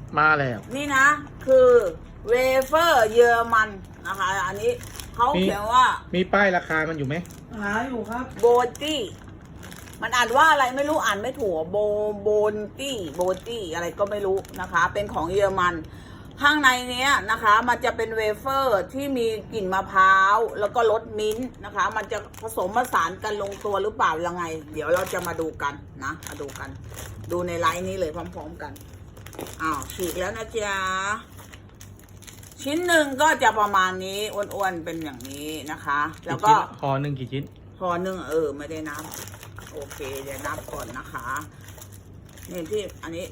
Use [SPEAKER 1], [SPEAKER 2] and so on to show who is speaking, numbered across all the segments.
[SPEAKER 1] มาแล้ว
[SPEAKER 2] นี่นะคือเวเฟอร์เยอรมันนะคะอันนี้เขาเขียนว่า
[SPEAKER 1] มีป้ายราคามันอยู่ไหม
[SPEAKER 3] หาอยู่ครับ
[SPEAKER 2] โบตี้มันอ่านว่าอะไรไม่รู้อ่านไม่ถูกโบนตี้อะไรก็ไม่รู้นะคะ เป็นของเยอรมันข้างในเนี้ยนะคะมันจะเป็นเวเฟอร์ที่มีกลิ่นมะพร้าวแล้วก็รสมิ้นท์นะคะมันจะผสมผสานกันลงตัวหรือเปล่ายังไง เดี๋ยวเราจะมาดูกันนะมาดูกันดูในไลน์นี้เลยพร้อมๆกันอ้าวฉีกแล้วนะจ๊ะชิ้นหนึ่งก็จะประมาณนี้อ้วนๆเป็นอย่างนี้นะคะแล้วก็
[SPEAKER 1] ห่อหนึ่งกี่ชิ้น
[SPEAKER 2] พอหนึ่งไม่ได้นับโอเคเดี๋ยวนับก่อนนะคะนี่ที่อันนี้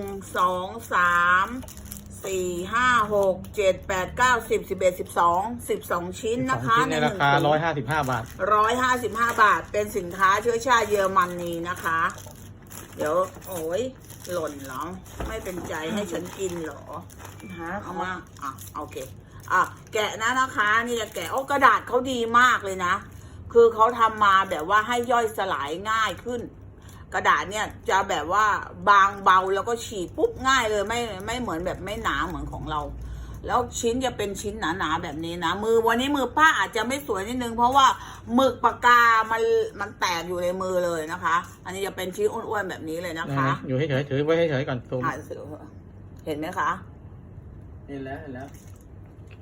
[SPEAKER 2] 1 2 3 4 5 6 7 8 9 10 11 12ชิ้นนะคะ
[SPEAKER 1] ในราคา155 บาท
[SPEAKER 2] 155 บาทเป็นสินค้าเชื้อชาติเยอรมนีนะคะ เดี๋ยวโอ้ยหล่นเหรอไม่เป็นใจให้ฉันกินเหรอ
[SPEAKER 3] หา
[SPEAKER 2] เอามาโอเคแกะนะคะนี่จะแกะกระดาษเขาดีมากเลยนะคือเขาทำมาแบบว่าให้ย่อยสลายง่ายขึ้น กระดาษเนี่ยจะแบบว่าบางเบาแล้วก็ฉีกปุ๊บง่ายเลยไม่เหมือนแบบไม่หนาเหมือนของเรา แล้วชิ้นจะเป็นชิ้นหนาๆแบบนี้นะวันนี้มือป้าอาจจะไม่สวยนิดนึงเพราะว่าหมึกปากกามันแตกอยู่ในมือเลยนะคะ อันนี้จะเป็นชิ้นอ้วนๆแบบนี้เลยนะคะ
[SPEAKER 1] อยู่เฉยๆถือไว้เฉยๆก่อนซูม
[SPEAKER 2] เห็นไหมคะ
[SPEAKER 3] เห็นแล้ว
[SPEAKER 1] โอเค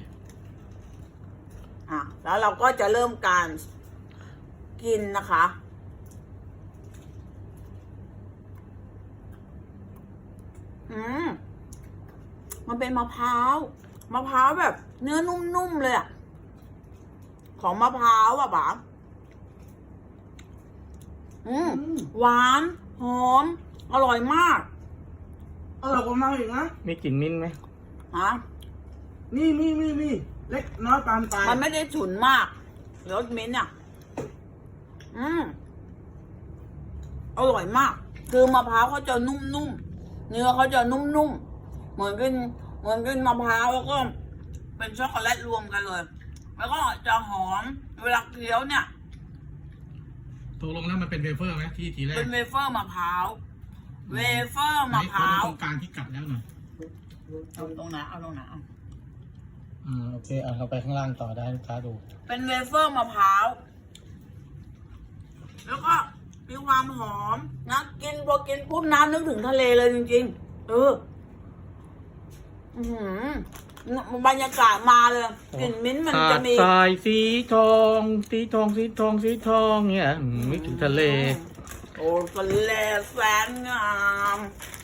[SPEAKER 2] แล้วเราก็จะเริ่มการกินนะคะมันเป็นมะพร้าวแบบเนื้อนุ่มๆเลยของมะพร้าวป๋าหวานหอมอร่อยมาก
[SPEAKER 3] อร่อยกว่ามาอีกนะ
[SPEAKER 1] มีกลิ่นมิ้นท์ไหม
[SPEAKER 3] มีเล็กน้อยปานปลาย
[SPEAKER 2] มันไม่ได้ฉุนมากรสมิ้นท์อร่อยมาก คือมะพร้าวเขาจะนุ่มๆเนื้อเขาจะนุ่มๆเหมือนกินมะพร้าวแล้วก็เป็นช็อกโกแลตรวมกันเลย แล้วก็จะหอมเวลาเคี้ยวเนี่ย
[SPEAKER 1] ตกลงแล้วมันเป็นเวเฟอร์ไหมที่ทีแรก
[SPEAKER 2] เป็นเวเฟอร์มะพร้าวเวเฟอร์มะพร้าว
[SPEAKER 1] ตรงกลางที่กัดแล้วหน่อย
[SPEAKER 2] เอาตรงไหน
[SPEAKER 1] โอเคเอาไปข้างล่างต่อได้ลูกค้าดู
[SPEAKER 2] เป็นเวเฟอร์มะพร้าวแล้วก็มีความหอมนะพอกินปุ๊บน้ำนึกถึงทะเลเลยจริงๆบรรยากาศมาเลยกลิ่นมิ้นท์มันจะมี
[SPEAKER 1] ทรายสีทองเนี่ยไม่ถึงทะเล
[SPEAKER 2] โอ้ทะเลแสนงาม